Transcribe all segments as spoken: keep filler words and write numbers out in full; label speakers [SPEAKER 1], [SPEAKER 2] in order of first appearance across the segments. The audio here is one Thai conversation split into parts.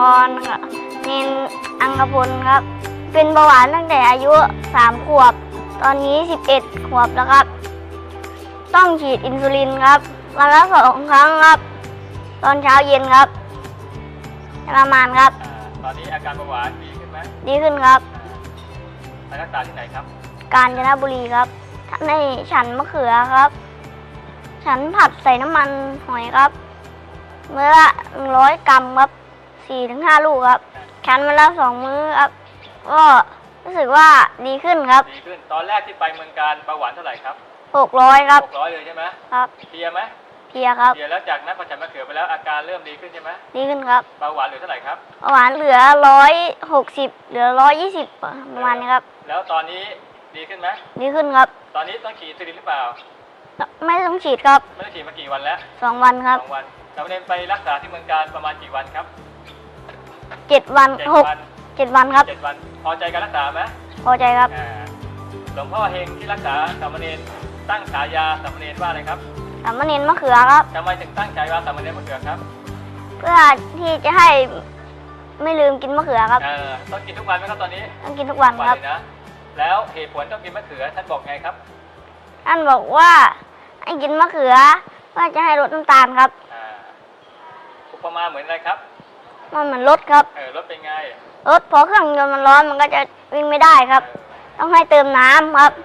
[SPEAKER 1] รค่ะเนนอังกพลครับเป็นเบาหวานตั้งแต่อายุสามขวบตอนนี้สิบเอ็ดขวบแล้วครับต้องฉีดอินซูลินครับวันละสองครั้งครับตอนเช้าเย็นครับประมาณครับ
[SPEAKER 2] ตอนนี้อาการเบาหวานดีขึ้นไหม
[SPEAKER 1] ดีขึ้นครับ
[SPEAKER 2] ไปรักษาที่ไหนครับ
[SPEAKER 1] กาญจนบุรีครับในฉันมะเขือครับฉันผัดใส่น้ำมันหอยครับเมื่อละหนึ่งร้อยกรัมครับสี่ถึงห้าลูกครับฉันมาแล้วสองมื้อครับก็รู้สึกว่าดีขึ้นครับ
[SPEAKER 2] ดีขึ้นตอนแรกที่ไปเมืองการเบาหวานเท่าไหร่ครับ
[SPEAKER 1] หกร้อยครับ
[SPEAKER 2] หกร้อยเลยใช่ไหม
[SPEAKER 1] ครับ
[SPEAKER 2] เพลียไหม
[SPEAKER 1] เพลียครับ
[SPEAKER 2] เพลียแล้วจากนั้นพอฉันมะเขือไปแล้วอาการเริ่มดีขึ้นใช่ไหม
[SPEAKER 1] ดีขึ้นครับ
[SPEAKER 2] เบาหวานเหลือเท่าไหร่ครับ
[SPEAKER 1] เบาหวานเหลือร้อยหกสิบเหลือร้อยยี่สิบประมาณนี้ครับ
[SPEAKER 2] แล้วตอนนี้ดีขึ้นไหม
[SPEAKER 1] ดีขึ้นครับ
[SPEAKER 2] ตอนนี้ต้องฉีดอินซูลินหรือเปล่า
[SPEAKER 1] ไม่ต้องฉีดครับ
[SPEAKER 2] ไม่ต้องฉีดมากี่วันแล้ว
[SPEAKER 1] สองวันครับ
[SPEAKER 2] สองวันสามเณรไปรักษาที่เมืองการประมาณกี่วันครับ
[SPEAKER 1] เจ็ดวันหกเจ็ดวันครับ
[SPEAKER 2] เจ็ดวันพอใจการรักษาไหม
[SPEAKER 1] พอใจครับ
[SPEAKER 2] หลวงพ่อเฮงที่รักษาสามเณรตั้งฉายาสามเณรว่าอะไรครับ
[SPEAKER 1] สามเณรมะเขือครับ
[SPEAKER 2] ทำไมถึงตั้งฉายาสามเณรมะเขือครับ
[SPEAKER 1] เพื่อที่จะให้ไม่ลืมกินมะเขือครับ
[SPEAKER 2] ต้องกินทุกวันไหมครับตอนนี้
[SPEAKER 1] ต้องกินทุกวันครับ
[SPEAKER 2] นะแล้วเหตุผลต้องกินมะเขือท่านบอกไงครับ
[SPEAKER 1] ท่านบอกว่าให้กินมะเขือเพื่อจะให้ลดน้ำตาลครับ
[SPEAKER 2] อุปมาเหมือนอะไรครับ
[SPEAKER 1] มันเหมือนรถครับ
[SPEAKER 2] เออรถเป็นไง
[SPEAKER 1] รถพอเครื่องยนต์มันร้อนมันก็จะวิ่งไม่ได้ครับต้องให้เติมน้ำครับ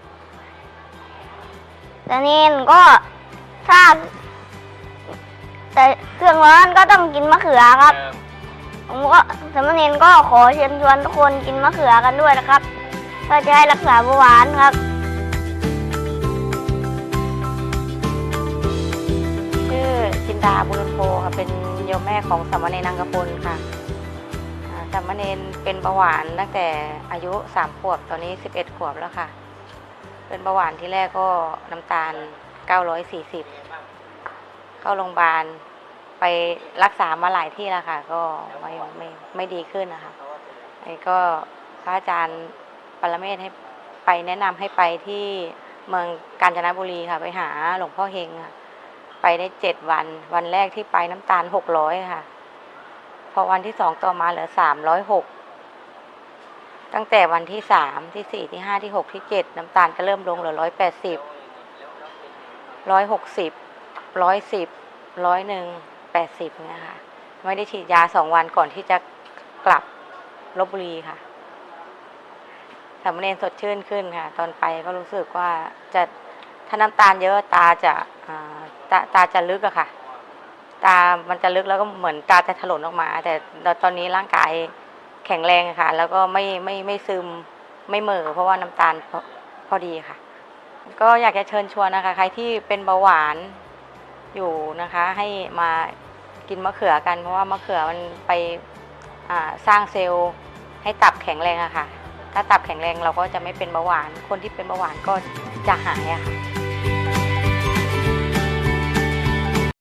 [SPEAKER 1] แต่นี่ก็ถ้าแต่เครื่องร้อนก็ต้องกินมะเขือครับผมก็สามเณรก็ขอเชิญชวนทุกคนกินมะเขือกันด้วยนะครับเพื่อจะให้รักษาเบาหวานครับ
[SPEAKER 3] ชื่อจินดาบุญโพค่ะเป็นโยมแม่ของสามเณรอังกพลค่ะสามเณรเป็นเบาหวานตั้งแต่อายุสามขวบตอนนี้สิบเอ็ดขวบแล้วค่ะเป็นเบาหวานที่แรกก็น้ำตาลเก้าร้อยสี่สิบเข้าโรงพยาบาลไปรักษามาหลายที่แล้วค่ะก็ไม่ไม่ไม่ดีขึ้นนะคะไอ้ก็พระอาจารย์ปรเมศให้ไปแนะนำให้ไปที่เมืองกาญจนบุรีค่ะไปหาหลวงพ่อเฮงค่ะไปได้เจ็ดวันวันแรกที่ไปน้ำตาลหกร้อยค่ะพอวันที่สองต่อมาเหลือสามร้อยหกตั้งแต่วันที่สามที่สี่ที่ห้าที่หกที่เจ็ดน้ำตาลก็เริ่มลงเหลือร้อยแปดสิบร้อยหกสิบร้อยสิบร้อยหนึ่งแปดสิบเนี่ยค่ะไม่ได้ฉีดยาสองวันก่อนที่จะกลับลพบุรีค่ะสามเณรสดชื่นขึ้นค่ะตอนไปก็รู้สึกว่าจะถ้าน้ำตาลเยอะตาจะตาตาจะลึกอะค่ะตามันจะลึกแล้วก็เหมือนตาจะถลนออกมาแต่ตอนนี้ร่างกายแข็งแรงค่ะแล้วก็ไม่ไม่ไม่ซึมไม่เหม่อเพราะว่าน้ำตาลพอพอดีค่ะก็อยากจะเชิญชวนนะคะใครที่เป็นเบาหวานอยู่นะคะให้มากินมะเขือกันเพราะว่ามะเขือมันไปสร้างเซลล์ให้ตับแข็งแรงอะค่ะถ้าตับแข็งแรงเราก็จะไม่เป็นเบาหวานคนที่เป็นเบาหวานก็จะหายอะค่ะ